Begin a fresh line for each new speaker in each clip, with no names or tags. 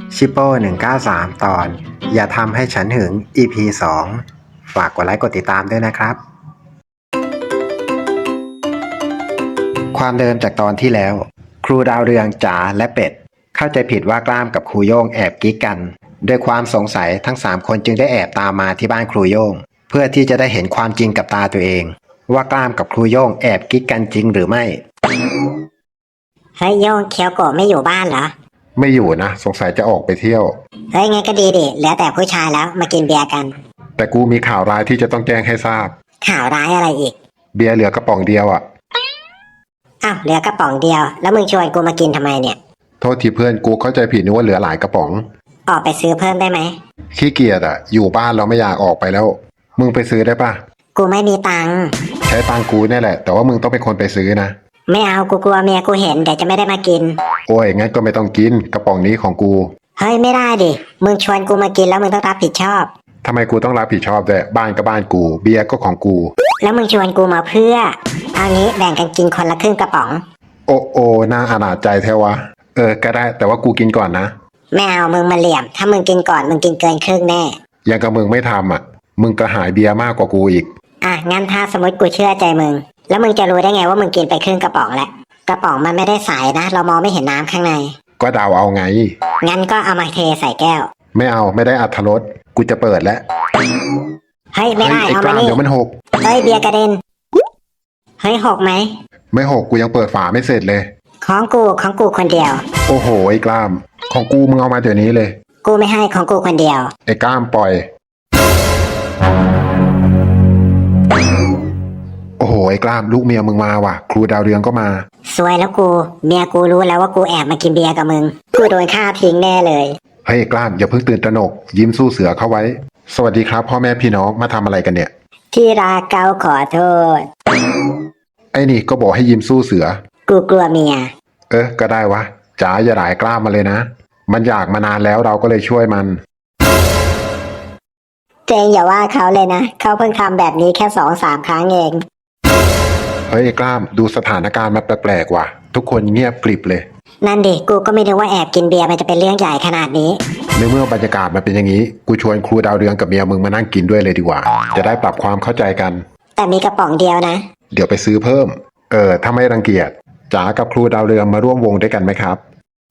ชิปโป้193 ตอนอย่าทำให้ฉันหึง EP 2ฝากกดไลค์กดติดตามด้วยนะครับความเดิมจากตอนที่แล้วครูดาวเรืองจ๋าและเป็ดเข้าใจผิดว่ากล้ามกับครูโย่งแอบกิ๊กกันด้วยความสงสัยทั้ง3คนจึงได้แอบตามมาที่บ้านครูโย่งเพื่อที่จะได้เห็นความจริงกับตาตัวเองว่ากล้ามกับครูโย่งแอบกิ๊กกันจริงหรือไม่
เฮ้ยโย่งเคียวโกะไม่อยู่บ้านเหรอ
ไม่อยู่นะสงสัยจะออกไปเที่ยว
เฮ้ยงั้นก็ดีดิเหลือแต่ผู้ชายแล้วมากินเบียร์กัน
แต่กูมีข่าวร้ายที่จะต้องแจ้งให้ทราบ
ข่าวร้ายอะไรอีก
เบียร์เหลือกระป๋องเดียวอ่ะ
อ้าวเหลือกระป๋องเดียวแล้วมึงชวนกูมากินทำไมเนี่ย
โทษทีเพื่อนกูเข้าใจผิดนึกว่าเหลือหลายกระป๋อง
ออกไปซื้อเพิ่มได้ไหม
ขี้เกียจอ่ะอยู่บ้านเราไม่อยากออกไปแล้วมึงไปซื้อได้ปะ
กูไม่มีตังค์
ใช้ตังกูนี่แหละแต่ว่ามึงต้องเป็นคนไปซื้อนะ
ไม่เอากูกลัวเมียกูเห็นเดี๋ยวจะไม่ได้มากิน
โอ้ยงั้นก็ไม่ต้องกินกระป๋องนี้ของกู
เฮ้ยไม่ได้ดิมึงชวนกูมากินแล้วมึงต้องรับผิดชอบ
ทำไมกูต้องรับผิดชอบด้วยบ้านก็บ้านกูเบียร์ก็ของกู
แล้วมึงชวนกูมาเพื่อเอางี้แบ่งกันกินคนละครึ่งกระป๋อง
โอ้น่าอนาจใจแท้วะก็ได้แต่ว่ากูกินก่อนนะ
ไม่เอามึงมาเหลี่ยมถ้ามึงกินก่อนมึงกินเกินครึ่งแน่
ยังกับมึงไม่ทำอ่ะมึงกระหายเบียร์มากกว่ากูอีก
งั้นถ้าสมมติกูเชื่อใจมึงแล้วมึงจะรู้ได้ไงว่ามึงกินไปครึ่งกระป๋องแล้วกระป๋องมันไม่ได้ใสนะเรามองไม่เห็นน้ำข้างใน
ก็เดาเอาไง
งั้นก็เอามาเทใส่แก้ว
ไม่เอาไม่ได้อรรถรสกูจะเปิดแล้ว
เฮ้ยไม่ได้เอามานี่
เดี๋ยวมันหก
เฮ้ยเบียร์กระเด็นเฮ้ยหกไหม
ไม่หกกูยังเปิดฝาไม่เสร็จเลย
ของกูคนเดียว
โอ้โหไอ้กล้ามของกูมึงเอามาเดี๋ยวนี้เลย
กูไม่ให้ของกูคนเดียว
ไอ้กล้ามปล่อยโอ้โหไอ้กล้ามลูกเมียมึงมาว่ะครูดาวเรืองก็มา
สวยแล้วกูเมียกูรู้แล้วว่ากูแอบมากินเบียร์กับมึงกูโดนฆ่าทิ้งแน่เลย
เฮ้ยกล้ามอย่าเพิ่งตื่นตระหนกยิ้มสู้เสือเข้าไว้สวัสดีครับพ่อแม่พี่น้องมาทำอะไรกันเนี่ย
ที่รักเกาขอโทษ
ไอ้นี่ก็บอกให้ยิ้มสู้เสือ
กูกลัวเมีย
ก็ได้วะจ๋าอย่าหลายกล้ามมาเลยนะมันอยากมานานแล้วเราก็เลยช่วยมัน
เจงอย่าว่าเขาเลยนะเขาเพิ่งทำแบบนี้แค่2-3 ครั้งเอง
เฮ้ยกล้ามดูสถานการณ์มันแปลกๆว่ะทุกคนเงียบกริบเลย
นั่นดิกูก็ไม่นึกว่าแอบกินเบียร์มันจะเป็นเรื่องใหญ่ขนาดนี้
ในเมื่อบรรยากาศมันเป็นอย่างนี้กูชวนครูดาวเรืองกับเมียมึงมานั่งกินด้วยเลยดีกว่าจะได้ปรับความเข้าใจกัน
แต่มีกระป๋องเดียวนะ
เดี๋ยวไปซื้อเพิ่มถ้าไม่รังเกียจจ๋ากับครูดาวเรืองมาร่วมวงด้วยกันไหมครับ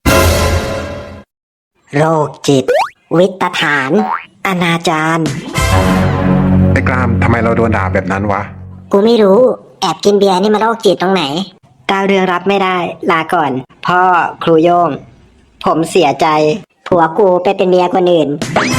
โรคจิตวิตฐานอนาจาร
ไอ้กล้ามทำไมเราโดนด่าแบบนั้นวะ
กูไม่รู้แอบกินเบียร์นี่มันโรคจิตตรงไหนดาวเรืองรับไม่ได้ลาก่อนพ่อครูโย่งผมเสียใจผัวกูไปเป็นเมียคนอื่น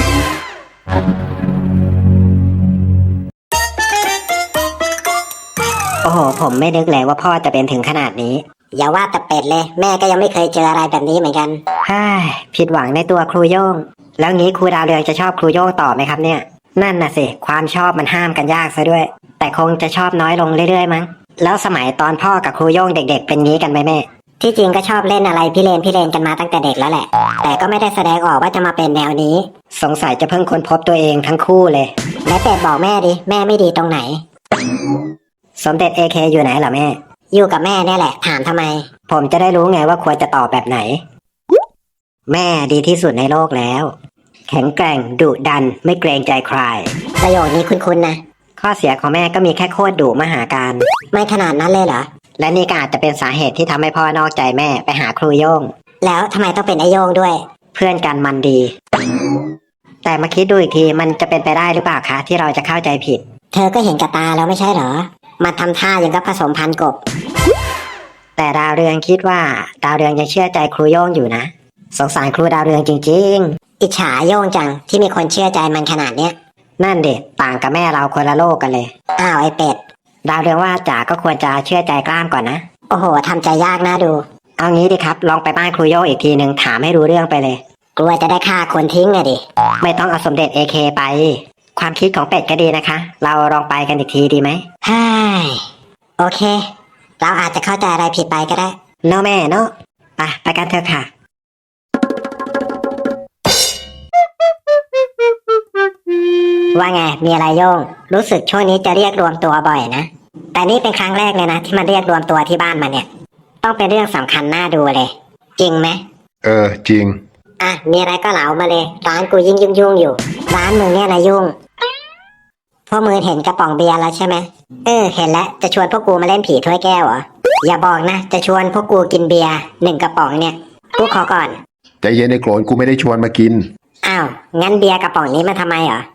โอ้โหผมไม่นึกเลยว่าพ่อจะเป็นถึงขนาดนี้อย่าว่าแต่เป็ดเลยแม่ก็ยังไม่เคยเจออะไรแบบนี้เหมือนกันผิดหวังในตัวครูโย่งแล้วงี้ครูดาวเรืองจะชอบครูโย่งต่อไหมครับเนี่ยนั่นน่ะสิความชอบมันห้ามกันยากซะด้วยแต่คงจะชอบน้อยลงเรื่อยๆมั้งแล้วสมัยตอนพ่อกับครูโย่งเด็กๆเป็นงี้กันไหมแม่ที่จริงก็ชอบเล่นอะไรพี่เลนกันมาตั้งแต่เด็กแล้วแหละแต่ก็ไม่ได้แสดงออกว่าจะมาเป็นแนวนี้สงสัยจะเพิ่งค้นพบตัวเองทั้งคู่เลยและเป็ดบอกแม่ดิแม่ไม่ดีตรงไหนสมเด็จ AK อยู่ไหนเหรอแม่อยู่กับแม่เนี่ยแหละถามทำไมผมจะได้รู้ไงว่าควรจะตอบแบบไหนแม่ดีที่สุดในโลกแล้วแข็งแกร่งดุดันไม่เกรงใจใครประโยคนี้คุ้นๆนะข้อเสียของแม่ก็มีแค่โคตรดุมหาการไม่ขนาดนั้นเลยเหรอและนี่ก็อาจจะเป็นสาเหตุที่ทำให้พ่อนอกใจแม่ไปหาครูโย่งแล้วทำไมต้องเป็นไอโย่งด้วยเพื่อนกันมันดีแต่มาคิดดูอีกทีมันจะเป็นไปได้หรือเปล่าคะที่เราจะเข้าใจผิดเธอก็เห็นกับตาแล้วไม่ใช่เหรอมาทำท่าอย่างกับผสมพันธุ์กบแต่ดาวเรืองคิดว่าดาวเรืองยังเชื่อใจครูโย่งอยู่นะสงสารครูดาวเรืองจริงๆอิจฉาโย่งจังที่มีคนเชื่อใจมันขนาดเนี้ยนั่นเด็กต่างกับแม่เราคนละโลกกันเลยอ้าวไอเป็ดดาวเรืองว่าจ๋าก็ควรจะเชื่อใจกล้ามก่อนนะโอ้โหทำใจยากน่าดูเอางี้ดิครับลองไปบ้านครูโย่งอีกทีหนึ่งถามให้รู้เรื่องไปเลยกลัวจะได้ฆ่าคนทิ้งอะดิไม่ต้องเอาสมเด็จ AK ไปความคิดของเป็ดก็ดีนะคะเราลองไปกันอีกทีดีไหมโอเคเราอาจจะเข้าใจอะไรผิดไปก็ได้เนาะแม่เนาะไปกันเถอะค่ะว่าไงมีอะไรโย่งรู้สึกช่วงนี้จะเรียกรวมตัวบ่อยนะแต่นี่เป็นครั้งแรกเลยนะที่มาเรียกรวมตัวที่บ้านมาเนี่ยต้องเป็นเรื่องสำคัญน่าดูเลยจริงไหม
จริง
อ่ะมีอะไรก็เหลามาเลยร้านกูยิ่งยุ่งอยู่ร้านมึงเนี่ยนะยุ่งพวกมึงเห็นกระป๋องเบียร์แล้วใช่ไหมเห็นแล้วจะชวนพวกกูมาเล่นผีถ้วยแก้วเหรออย่าบอกนะจะชวนพวกกูกินเบียร์1 กระป๋องเนี่ยกูขอก่อน
ใจเย็นไอ้โกรนกูไม่ได้ชวนมากิน
อ้าวงั้นเบียร์กระป๋องนี้มาทำไมเหรอก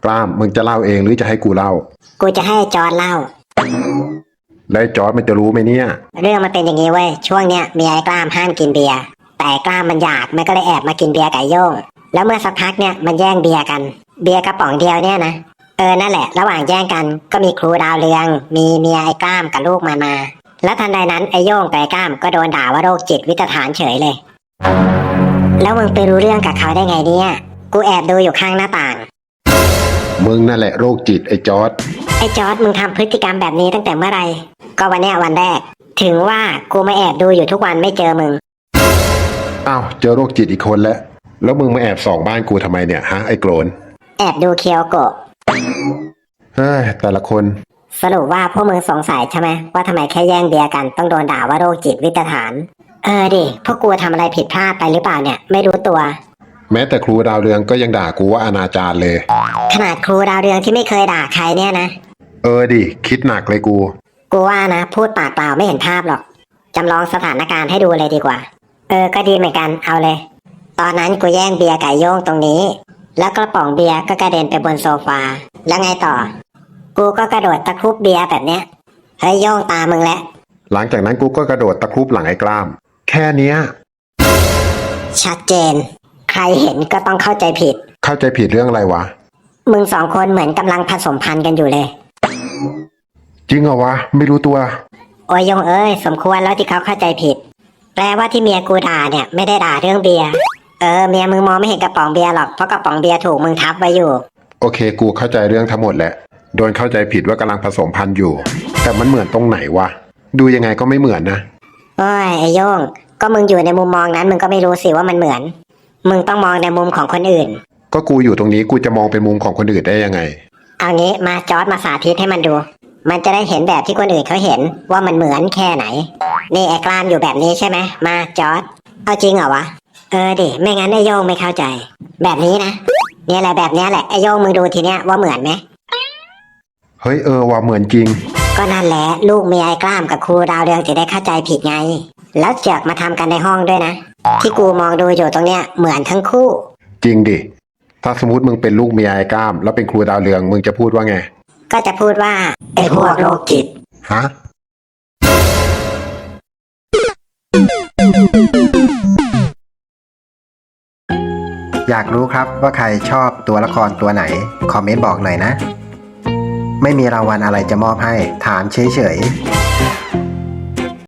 ล้ามมึงจะเล่าเองหรือจะให้กูเล่า
กูจะให้จอร์ดเล่า
แล้วไอ้จอร์ดมันจะรู้ไหมเนี่ย
เรื่องมันเป็นอย่างนี้เว้ยช่วงเนี้ยเมียไอ้กล้ามห้ามกินเบียร์แต่ไอ้กล้ามมันอยากมันก็เลยแอบมากินเบียร์ไก่โย่งแล้วเมื่อสักพักเนี่ยมันแย่งเบียร์กันเบียร์กระป๋องเดียวเนี่ยนะนั่นแหละระหว่างแย่งกันก็มีครูดาวเรืองมีเมียไอ้กล้ามกับลูกมันมาแล้วทันใดนั้นไอ้โย่งกับไอ้กล้ามก็โดนด่าว่าโรคจิตวิตฐานเฉยเลยแล้วมึงไปรู้เรื่องกับเขาได้ไงเนี่ยกูแอบดูอยู่ข้างหน้าต่าง
มึงนั่นแหละโรคจิตไอ้จอร์ด
ไอ้จอร์ดมึงทำพฤติกรรมแบบนี้ตั้งแต่เมื่อไหร่ก็วันเนี้ยวันแรกถึงว่ากูมาแอบดูอยู่ทุกวันไม่เจอมึง
อ้าวเจอโรคจิตอีกคนแล้วมึงมาแอบส่องบ้านกูทำไมเนี่ยฮะไอ้โกรน
แอบดูเคียวโกะ
เฮ้ยแต่ละคน
สรุปว่าพวกมึงสงสัยใช่ไหมว่าทำไมแค่แย่งเบียร์กันต้องโดนด่าว่าโรคจิตวิตฐานดิพวกกูทำอะไรผิดพลาดไปหรือเปล่าเนี่ยไม่รู้ตัว
แม้แต่ครูดาวเรืองก็ยังด่ากูว่าอนาจารเลย
ขนาดครูดาวเรืองที่ไม่เคยด่าใครเนี่ยนะ
ดิคิดหนักเลยกู
กูว่านะพูดปากเปล่าไม่เห็นภาพหรอกจำลองสถานการณ์ให้ดูเลยดีกว่าก็ดีเหมือนกันเอาเลยตอนนั้นกูแย่งเบียร์ไก่โย่งตรงนี้แล้วกระป๋องเบียร์ก็กระเด็นไปบนโซฟาแล้วไงต่อกูก็กระโดดตะครุบเบียร์แบบเนี้ยเฮ้ยโย่งตามึงแล้ว
หลังจากนั้นกูก็กระโดดตะครุบหลังไอ้กล้าม แค่เนี้ย
ชัดเจนใครเห็นก็ต้องเข้าใจผิด
เข้าใจผิดเรื่องอะไรวะ
มึง2 คนเหมือนกำลังผสมพันธุ์กันอยู่เลย
จริงเหรอวะไม่รู้ตัว
โอ้ยโยงสมควรแล้วที่เขาเข้าใจผิดแปลว่าที่เมียกูด่าเนี่ยไม่ได้ด่าเรื่องเบียร์เมียมึงมองไม่เห็นกระป๋องเบียร์หรอกเพราะกระป๋องเบียร์ถูกมึงทับไว้อยู่
โอเคกูเข้าใจเรื่องทั้งหมดแหละโดนเข้าใจผิดว่ากำลังผสมพันธุ์อยู่ แต่มันเหมือนตรงไหนวะดูยังไงก็ไม่เหมือนนะ
โอ้ยไอ้โย่งก็มึงอยู่ในมุมมองนั้นมึงก็ไม่รู้สิว่ามันเหมือนมึงต้องมองในมุมของคนอื่น
ก็กูอยู่ตรงนี้กูจะมองเป็นมุมของคนอื่นได้ยังไง
เอางี้มาจอร์ดมาสาธิตให้มันดู มันจะได้เห็นแบบที่คนอื่นเขาเห็นว่ามันเหมือนแค่ไหนนี่ไอ้กล้ามอยู่แบบนี้ใช่ไหมมาจอร์ดเอาจริงเหรอวะดิไม่งั้นไอ้โย่งไม่เข้าใจ แบบนี้นะเนี่ยแหละแบบเนี้ยแหละไอ้โย่งมึงดูทีเนี้ยว่าเหมือนไหม
เฮ้ยว่าเหมือนจริง
ก็นั่นแหละลูกเมียไอ้กล้ามกับครูดาวเรืองจะได้เข้าใจผิดไงแล้วเจือกมาทำกันในห้องด้วยนะที่กูมองดูอยู่ตรงเนี้ยเหมือนทั้งคู่
จริงดิถ้าสมมติมึงเป็นลูกเมียไอ้กล้ามแล้วเป็นครูดาวเรืองมึงจะพูดว่าไง
ก็จะพูดว่าไอ้พวกโรคจิต
ฮะ
อยากรู้ครับว่าใครชอบตัวละครตัวไหนคอมเมนต์บอกหน่อยนะ ไม่มีรางวัลอะไรจะมอบให้ถามเฉยๆ